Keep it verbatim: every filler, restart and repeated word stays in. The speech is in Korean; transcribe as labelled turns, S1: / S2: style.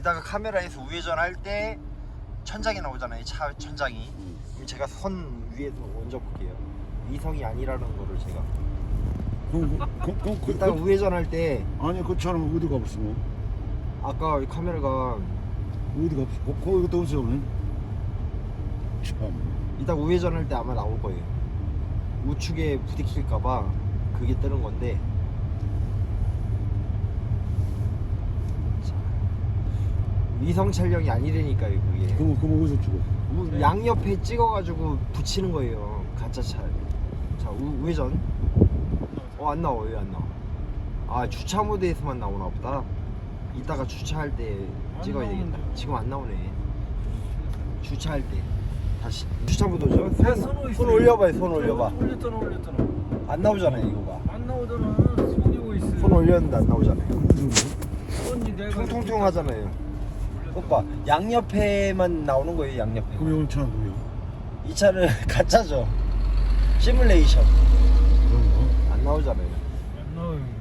S1: 이따가 카메라에서 우회전 할 때 천장이 나오잖아요. 차 천장이.
S2: 음.
S1: 그럼 제가 선 위에서 얹어 볼게요. 위성이 아니라는 거를 제가.
S2: 그럼 그, 그, 그, 그,
S1: 이따가
S2: 그,
S1: 우회전 할 때
S2: 아니 그 차는 어디 가봤어? 뭐?
S1: 아까 이 카메라가
S2: 어디 가봤어? 거, 거기 갔다 오세요 오늘. 참.
S1: 이따 우회전 할 때 아마 나올 거예요. 우측에 부딪힐까봐 그게 뜨는 건데. 자, 위성 촬영이 아니라니까요 그게.
S2: 그럼 그럼 어디서 찍어?
S1: 우- 양옆에 찍어가지고 붙이는 거예요 가짜 차. 자 우, 우회전. 어 안 나와. 왜 안 나와? 아 주차 모드에서만 나오나 보다. 이따가 주차할 때 찍어야 되겠다. 지금 안 나오네. 주차할 때 다시 주차 모드죠.
S3: 네,
S1: 손, 손 올려봐요. 손 올려봐.
S3: 올렸잖아 올렸잖아.
S1: 안 나오잖아요 이거가.
S3: 안 나오잖아. 손이 오고 있어.
S1: 손 올렸는데 안 나오잖아요.
S3: 손이 내가
S1: 통통통 하잖아요. 오빠 양옆에만 나오는 거예요. 양옆에.
S2: 그럼 오늘 차는 뭐야?
S1: 이 차는 가짜죠. 시뮬레이션.
S2: 그런 거?
S1: 안 나오잖아요.
S3: 안 나와요.